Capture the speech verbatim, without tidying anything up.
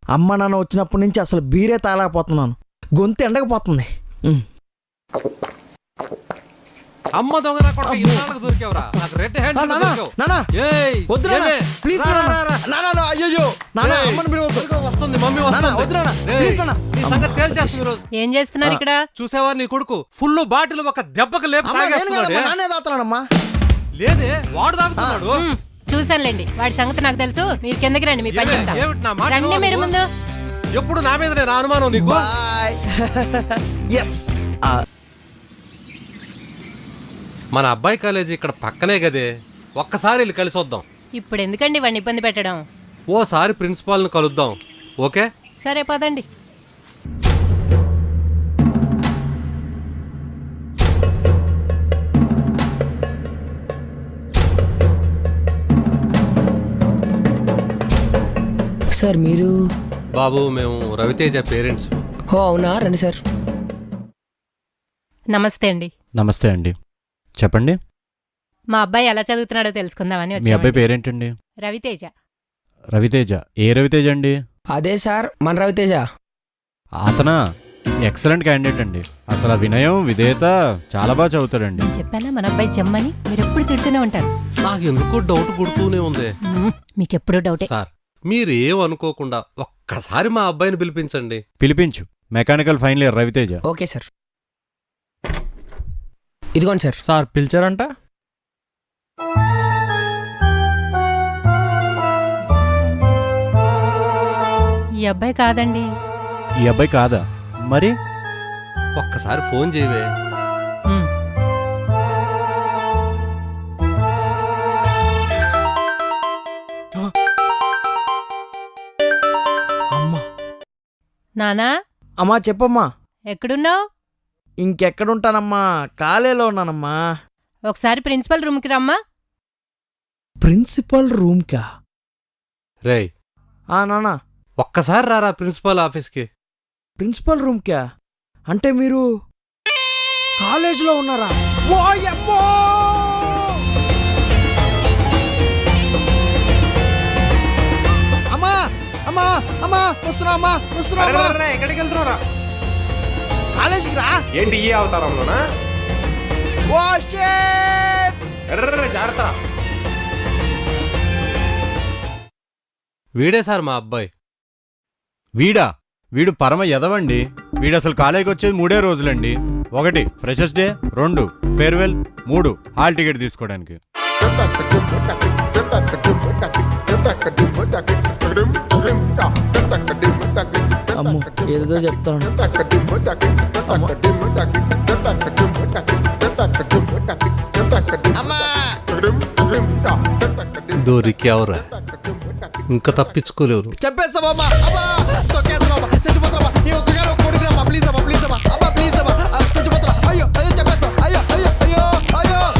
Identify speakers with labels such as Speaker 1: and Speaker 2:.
Speaker 1: అమ్మ నాన్న వచ్చినప్పటి నుంచి అసలు బీరే తాగలేకపోతున్నాను, గొంతు ఎండకపోతుంది.
Speaker 2: అమ్మ దొంగ నా కొడుకు ఇన్నాళ్ళకి దొరికావురా. నాకు రెడ్ హ్యాండ్ దొరికావు.
Speaker 1: నానా
Speaker 2: ఏయ్
Speaker 1: వద్దు నానా ప్లీజ్ నానా. అయ్యో నానా అమ్మని పిలవద్దు.
Speaker 2: వస్తుంది మమ్మీ వస్తుంది.
Speaker 1: వద్దు నానా ప్లీజ్ నానా.
Speaker 2: నీ సంగతి తేల్చేస్తుంది ఈ రోజు.
Speaker 3: ఏం చేస్తున్నారు ఇక్కడ?
Speaker 2: చూసావా నీ కొడుకు ఫుల్ బాటిల్ ఒక దెబ్బకి లేపు తాగేస్తున్నాడు.
Speaker 1: నానే తాగుతున్నానమ్మా.
Speaker 2: లేదే వాడు తాగుతున్నాడు.
Speaker 3: చూసానులేండి, వాడి సంగతి నాకు తెలుసు. మీరు కిందకి రండి, మీ పని చెప్తా.
Speaker 2: ఏమిటి నా మాట
Speaker 3: రండి మీరు ముందు.
Speaker 2: ఎప్పుడు నా మీద నేను అనుమానం నీకు.
Speaker 1: బాయ్. ఎస్
Speaker 2: మన అబ్బాయి కాలేజీ ఇక్కడ పక్కనే కదే, ఒక్కసారి వెళ్ళి కలిసి వద్దాం.
Speaker 3: ఇప్పుడు ఎందుకండి వాడిని ఇబ్బంది పెట్టడం?
Speaker 2: ఓసారి ప్రిన్సిపాల్ని కలుద్దాం. ఓకే
Speaker 3: సరే పదండి.
Speaker 4: సార్ మీరు?
Speaker 2: బాబు మేము రవితేజ పేరెంట్స్.
Speaker 4: ఓ అవునా, రండి సార్.
Speaker 3: నమస్తే అండి.
Speaker 5: నమస్తే అండి, చెప్పండి.
Speaker 3: మా అబ్బాయి ఎలా చదువుతున్నాడో తెలుసుకుందామని
Speaker 5: మీ అబ్బాయి
Speaker 3: వచ్చామండి.
Speaker 5: పేరేంటండి?
Speaker 3: రవితేజ.
Speaker 5: రవితేజ? ఏ రవితేజ అండి?
Speaker 4: అదే సార్ మన రవితేజ.
Speaker 5: అతనా? ఎక్సలెంట్ క్యాండిడేట్ అండి. అసలు ఆ వినయం విధేయత చాలా బాగా చదువుతాడండి.
Speaker 3: నేను చెప్పానా మన అబ్బాయి జమ్మని? మీరు ఎప్పుడు తిడుతూనే ఉంటారు.
Speaker 2: నాకు ఎందుకో డౌట్ పుడుతూనే ఉంది.
Speaker 3: మ్మ్, మీకెప్పుడు డౌటే.
Speaker 2: సార్ మీరేమనుకోకుండా ఒక్కసారి మా అబ్బాయిని పిలిపించండి.
Speaker 5: పిలిపించు. Mechanical final year Raviteja.
Speaker 4: Okay sir. ఇదిగోండి సార్.
Speaker 6: సార్ పిలిచారంట?
Speaker 3: ఈ అబ్బాయి కాదండి.
Speaker 5: ఈ అబ్బాయి కాదా? మరి
Speaker 2: ఒక్కసారి ఫోన్ చేయవే.
Speaker 3: మ్మ్.
Speaker 1: అమ్మా.
Speaker 3: నానా
Speaker 1: అమ్మా చెప్పమ్మా.
Speaker 3: ఎక్కడున్నావు?
Speaker 1: ఇంకెక్కడుంటానమ్మా, కాలేలో ఉన్నానమ్మా.
Speaker 3: ఒకసారి ప్రిన్సిపల్ రూమ్కి రమ్మా.
Speaker 1: ప్రిన్సిపల్ రూమ్కా?
Speaker 2: రేయ్
Speaker 1: ఆ నానా
Speaker 2: ఒక్కసారి రారా ప్రిన్సిపల్ ఆఫీస్కి.
Speaker 1: ప్రిన్సిపల్ రూమ్కా? అంటే మీరు కాలేజీలో ఉన్నారా? ఓయమ్మో! అమ్మా అమ్మా అమ్మా వస్తున్నా అమ్మా వస్తున్నా.
Speaker 6: ఎక్కడికి వెళ్తున్నారా?
Speaker 1: కాలేజీకి రా.
Speaker 6: ఏంటి ఈ అవతారంలోనా?
Speaker 1: Oh shit!
Speaker 6: ఎర్ర జాగ్రత్త.
Speaker 2: వీడే సార్ మా అబ్బాయి.
Speaker 5: వీడా? వీడు పరమ ఎదవండి. వీడు అసలు కాలేజీకి వచ్చేది మూడే రోజులండి. ఒకటి ఫ్రెషర్స్ డే, రెండు ఫేర్వెల్, మూడు హాల్ టికెట్ తీసుకోవడానికి.
Speaker 1: అమ్మో ఏదో చెప్తాను.
Speaker 2: దొరికావురా, ఇంకా తప్పించుకోలేరు.
Speaker 1: చెప్పేస్తామమ్మా. అమ్మా తొక్కేస్తామమ్మా, చచ్చిపోతామమ్మా. నీ